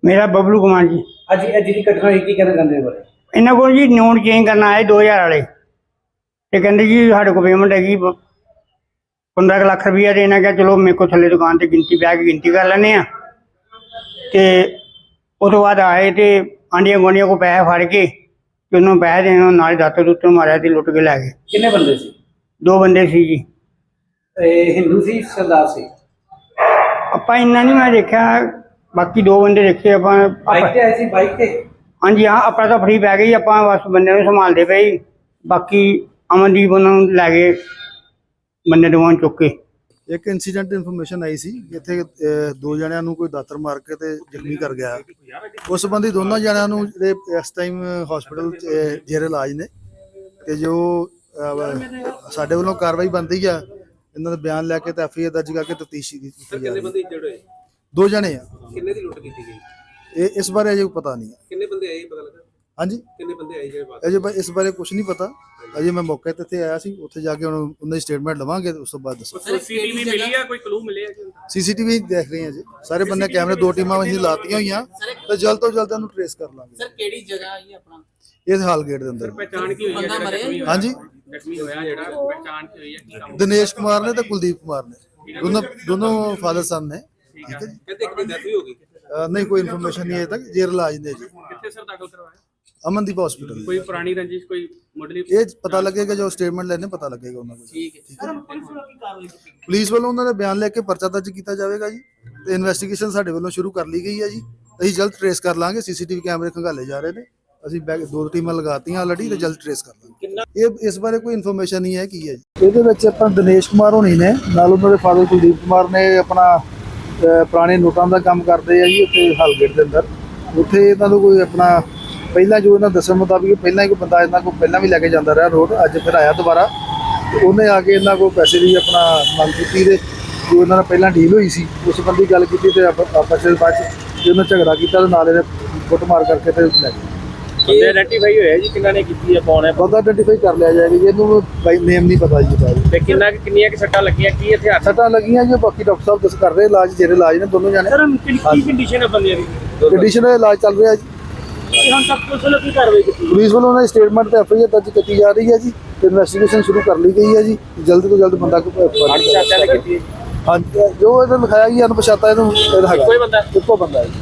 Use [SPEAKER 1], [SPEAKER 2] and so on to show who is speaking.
[SPEAKER 1] मेरा बबलू कुमार जी।
[SPEAKER 2] ਅੱਜ ਇਹ ਜਿਹੜੀ ਘਟਨਾ ਹੋਈ ਕੀ ਕਹਿਣਾ ਚਾਹੁੰਦੇ ਹੋ ਬਾਰੇ?
[SPEAKER 1] इन्होंने को जी नोट चेंज करना आए 2000 वाले तो कहते जी साढ़े को पेमेंट हैगी 15 लाख रुपया। तो इन्हें क्या चलो मेरे को थले दुकान से गिनती बह के गिनती कर लें। तो उस बाद आए तो आंडिया गुआढ़िया को पैसे फड़ के उन्होंने पैसे देने नाल दातर दुतर मारिया तो लुट के लै गए।
[SPEAKER 2] ਕਿੰਨੇ ਬੰਦੇ ਸੀ?
[SPEAKER 1] 2 बंदे सी जी।
[SPEAKER 2] ਇਹ ਹਿੰਦੂ ਸੀ ਸਰਦਾਰ ਸੀ?
[SPEAKER 1] ਆਪਾਂ ਇੰਨਾ नहीं मैं देखा, बाकी 2 बंदे देखे ਆਪਾਂ।
[SPEAKER 2] ਬਾਈਕ ਤੇ ਆਏ ਸੀ? ਬਾਈਕ ਤੇ?
[SPEAKER 1] हाँ जी हाँ, अपना तो फ्री पै गई। ਆਪਾਂ बस बंदे ਨੂੰ संभालते पे जी। बाकी अमनदीप उन्होंने लै गए बंदे दोवां चुक के।
[SPEAKER 3] ਇੱਕ ਇਨਸੀਡੈਂਟ ਇਨਫੋਰਮੇਸ਼ਨ ਆਈ ਸੀ ਕਿ ਇੱਥੇ 2 ਜਣਿਆਂ ਨੂੰ ਕੋਈ ਦਾਤਰ ਮਾਰ ਕੇ ਤੇ ਜ਼ਖਮੀ ਕਰ ਗਿਆ। ਉਸ ਸੰਬੰਧੀ ਦੋਨਾਂ ਜਣਿਆਂ ਨੂੰ ਜਿਹੜੇ ਇਸ ਟਾਈਮ ਹਸਪੀਟਲ ਜੇਰੇ ਇਲਾਜ ਨੇ ਤੇ ਜੋ ਸਾਡੇ ਵੱਲੋਂ ਕਾਰਵਾਈ ਬਣਦੀ ਆ ਇਹਨਾਂ ਦਾ ਬਿਆਨ ਲੈ ਕੇ ਤੇ ਐਫਆਈਆਰ ਦਰਜ ਕਰਕੇ ਤਫਤੀਸ਼ ਕੀਤੀ ਜਾ ਰਹੀ ਹੈ।
[SPEAKER 2] ਕਿੰਨੇ ਬੰਦੇ ਇੰਜਰਡ ਹੋਏ?
[SPEAKER 3] 2 ਜਣੇ ਆ।
[SPEAKER 2] ਕਿੰਨੇ ਦੀ ਲੁੱਟ ਕੀਤੀ ਗਈ?
[SPEAKER 3] ਇਹ ਇਸ ਬਾਰੇ ਅਜੇ ਪਤਾ ਨਹੀਂ ਹੈ।
[SPEAKER 2] ਕਿੰਨੇ ਬੰਦੇ ਆਏ ਪਤਾ ਲੱਗਾ?
[SPEAKER 3] ਹਾਂਜੀ,
[SPEAKER 2] ਕਿੰਨੇ ਬੰਦੇ ਆਏ ਜਿਹੜੇ ਬਾਅਦ?
[SPEAKER 3] ਅਜੇ ਇਸ ਬਾਰੇ ਕੁਝ ਨਹੀਂ ਪਤਾ। ਅਜੇ ਮੈਂ ਮੌਕੇ ਤੇ ਇੱਥੇ ਆਇਆ ਸੀ, ਉੱਥੇ ਜਾ ਕੇ ਉਹਨਾਂ ਦੀ ਸਟੇਟਮੈਂਟ ਲਵਾਂਗੇ ਉਸ ਤੋਂ ਬਾਅਦ ਦੱਸਾਂ।
[SPEAKER 2] ਸੀਸੀਟੀਵੀ ਮਿਲੀ ਆ? ਕੋਈ ਕਲੂ ਮਿਲੇ ਆ?
[SPEAKER 3] ਸੀਸੀਟੀਵੀ ਦੇਖ ਰਹੇ ਹਾਂ ਜੀ, ਸਾਰੇ ਬੰਦੇ ਕੈਮਰੇ 2 ਟੀਮਾਂ ਅਸੀਂ ਲਾਤੀਆਂ ਹੋਈਆਂ ਤੇ ਜਲਦ ਤੋਂ ਜਲਦ ਇਹਨੂੰ ਟ੍ਰੇਸ ਕਰ ਲਾਂਗੇ।
[SPEAKER 4] ਸਰ ਕਿਹੜੀ ਜਗ੍ਹਾ ਹੈ ਆਪਣਾ?
[SPEAKER 3] ਇਸ ਹਾਲ ਗੇਟ ਦੇ ਅੰਦਰ।
[SPEAKER 2] ਪਹਿਚਾਣ ਕੀ ਹੋਈ ਹੈ?
[SPEAKER 3] ਹਾਂਜੀ,
[SPEAKER 2] ਜ਼ਖਮੀ ਹੋਇਆ ਜਿਹੜਾ ਪਹਿਚਾਣ ਕੀ ਹੋਈ ਹੈ? ਕੀ ਕੰਮ?
[SPEAKER 3] ਦਿਨੇਸ਼ ਕੁਮਾਰ ਨੇ ਤੇ ਕੁਲਦੀਪ ਕੁਮਾਰ ਨੇ, ਦੋਨੋਂ ਫਾਦਰ ਸਨ ਨੇ। ਠੀਕ ਹੈ ਜੀ।
[SPEAKER 2] ਕਹਿੰਦੇ ਇੱਕ ਦੀ ਡੈਥ ਵੀ ਹੋ ਗਈ?
[SPEAKER 3] ਨਹੀਂ, ਕੋਈ ਇਨਫੋਰਮੇਸ਼ਨ ਨਹੀਂ ਹੈ ਤੱਕ। ਜੇਰ ਇਲਾਜ ਨੇ ਜੀ,
[SPEAKER 2] ਕਿੱਥੇ ਸਰ ਦਾਖਲ ਕਰਵਾਇਆ?
[SPEAKER 3] ਅਮਨਦੀਪ ਹਸਪੀਟਲ।
[SPEAKER 2] ਕੋਈ ਪੁਰਾਣੀ ਰੰਜਿਸ਼, ਕੋਈ ਮੁੱਢਲੀ?
[SPEAKER 3] ਇਹ ਪਤਾ ਲੱਗੇਗਾ ਜੋ ਸਟੇਟਮੈਂਟ ਲੈਣੇ ਪਤਾ ਲੱਗੇਗਾ ਉਹਨਾਂ ਕੋਲ।
[SPEAKER 4] ਠੀਕ ਹੈ।
[SPEAKER 3] ਪੁਲਿਸ ਵੱਲੋਂ ਉਹਨਾਂ ਦਾ ਬਿਆਨ ਲੈ ਕੇ ਪਰਚਾ ਦਰਜ ਕੀਤਾ ਜਾਵੇਗਾ ਜੀ ਤੇ ਇਨਵੈਸਟੀਗੇਸ਼ਨ ਸਾਡੇ ਵੱਲੋਂ ਸ਼ੁਰੂ ਕਰ ਲਈ ਗਈ ਹੈ ਜੀ। ਅਸੀਂ ਜਲਦ ਟ੍ਰੇਸ ਕਰ ਲਾਂਗੇ। ਸੀਸੀਟੀਵੀ ਕੈਮਰੇ ਖੰਗਾਲੇ ਜਾ ਰਹੇ ਨੇ। ਅਸੀਂ 2 ਟੀਮਾਂ ਲਗਾਤੀਆਂ ਆਲਰੇਡੀ ਤੇ ਜਲਦ ਟ੍ਰੇਸ ਕਰ ਲਾਂਗੇ। ਇਹ ਇਸ ਬਾਰੇ ਕੋਈ ਇਨਫੋਰਮੇਸ਼ਨ ਨਹੀਂ ਹੈ ਕੀ ਹੈ ਜੀ। ਇਹਦੇ ਵਿੱਚ ਆਪਾਂ ਦਿਨੇਸ਼ ਕੁਮਾਰ ਹੋਣੀ ਨੇ, ਨਾਲ ਉਹਨਾਂ ਦੇ ਫਾਦਰ ਕੁਲਦੀਪ ਕੁਮਾਰ ਨੇ ਆਪਣਾ ਪੁਰਾਣੇ ਨੋਟਾਂ ਦਾ ਕੰਮ ਕਰਦੇ ਆ ਜੀ ਉੱਥੇ ਹਾਲਗੇਟ ਦੇ ਅੰਦਰ। ਉੱਥੇ ਇਹਨਾਂ ਨੂੰ ਕੋਈ ਆਪਣਾ ਪਹਿਲਾਂ ਜੋ ਇਹਨਾਂ ਦੱਸਣ ਮੁਤਾਬਿਕ ਪਹਿਲਾਂ ਹੀ ਕੋਈ ਬੰਦਾ ਇਹਨਾਂ ਕੋਲ ਪਹਿਲਾਂ ਵੀ ਲੈ ਕੇ ਜਾਂਦਾ ਰਿਹਾ ਰੋਡ, ਅੱਜ ਫਿਰ ਆਇਆ ਦੁਬਾਰਾ ਤੇ ਉਹਨੇ ਆ ਕੇ ਇਹਨਾਂ ਕੋਲ ਪੈਸੇ ਦੀ ਆਪਣਾ ਮੰਗ ਕੀਤੀ ਤੇ ਜੋ ਇਹਨਾਂ ਨਾਲ ਪਹਿਲਾਂ ਡੀਲ ਹੋਈ ਸੀ ਉਸ ਸੰਬੰਧੀ ਗੱਲ ਕੀਤੀ ਤੇ ਆਪਸ ਵਿੱਚ ਬਾਅਦ ਚ ਉਹਨਾਂ ਝਗੜਾ ਕੀਤਾ ਤੇ ਨਾਲ ਇਹਨੇ ਕੁੱਟਮਾਰ ਕਰਕੇ ਤੇ ਲੈ ਗਏ।
[SPEAKER 2] ਬੰਦੇ ਆਇਡੈਂਟੀਫਾਈ ਹੋਇਆ ਜੀ ਕਿੰਨਾਂ ਨੇ ਕੀਤੀ ਹੈ, ਕੌਣ ਹੈ?
[SPEAKER 3] ਬੰਦਾ ਆਇਡੈਂਟੀਫਾਈ ਕਰ ਲਿਆ ਜਾਏਗਾ ਜੀ। ਇਹਨੂੰ ਬਾਈ ਨੇਮ ਨਹੀਂ ਪਤਾ ਜੀ ਇਹਦਾ।
[SPEAKER 2] ਤੇ ਕਿੰਨੀਆਂ ਕਿ ਸੱਟਾਂ ਲੱਗੀਆਂ, ਕੀ ਹਥਿਆਰ?
[SPEAKER 3] ਸੱਟਾਂ ਲੱਗੀਆਂ ਜੀ, ਬਾਕੀ ਡਾਕਟਰ ਸਾਹਿਬ ਦੱਸ ਕਰ ਰਹੇ ਇਲਾਜ, ਜਿਹੜੇ ਇਲਾਜ ਨੇ ਦੋਨੋਂ ਜਾਣੇ।
[SPEAKER 2] ਸਰ ਕੀ ਕੰਡੀਸ਼ਨ ਹੈ ਬੰਦਿਆਂ ਦੀ?
[SPEAKER 3] ਕੰਡੀਸ਼ਨ ਦਾ ਇਲਾਜ ਚੱਲ ਰਿਹਾ ਜੀ।
[SPEAKER 2] ਹੁਣ ਤੱਕ ਪੁਲਿਸ ਵੱਲੋਂ ਕੀ ਕਾਰਵਾਈ ਕੀਤੀ?
[SPEAKER 3] ਪੁਲਿਸ ਵੱਲੋਂ ਉਹਨਾਂ ਦੀ ਸਟੇਟਮੈਂਟ ਤੇ ਐਫਆਈਆਰ ਦਰਜ ਕੀਤੀ ਜਾ ਰਹੀ ਹੈ ਜੀ ਤੇ ਇਨਵੈਸਟੀਗੇਸ਼ਨ ਸ਼ੁਰੂ ਕਰ ਲਈ ਗਈ ਹੈ ਜੀ। ਜਲਦ ਤੋਂ ਜਲਦ ਬੰਦਾ
[SPEAKER 2] ਅਣਪਛਾਤਿਆਂ ਨੇ ਕੀਤੀ ਹੈ?
[SPEAKER 3] ਹਾਂਜੀ, ਜੋ ਇਹਨੇ ਲਿਖਾਇਆ ਜੀ ਅਣਪਛਾਤਾ, ਇਹਨੂੰ ਹੈਗਾ
[SPEAKER 2] ਕੋਈ ਬੰਦਾ?
[SPEAKER 3] ਇੱਕੋ ਬੰਦਾ ਹੈ।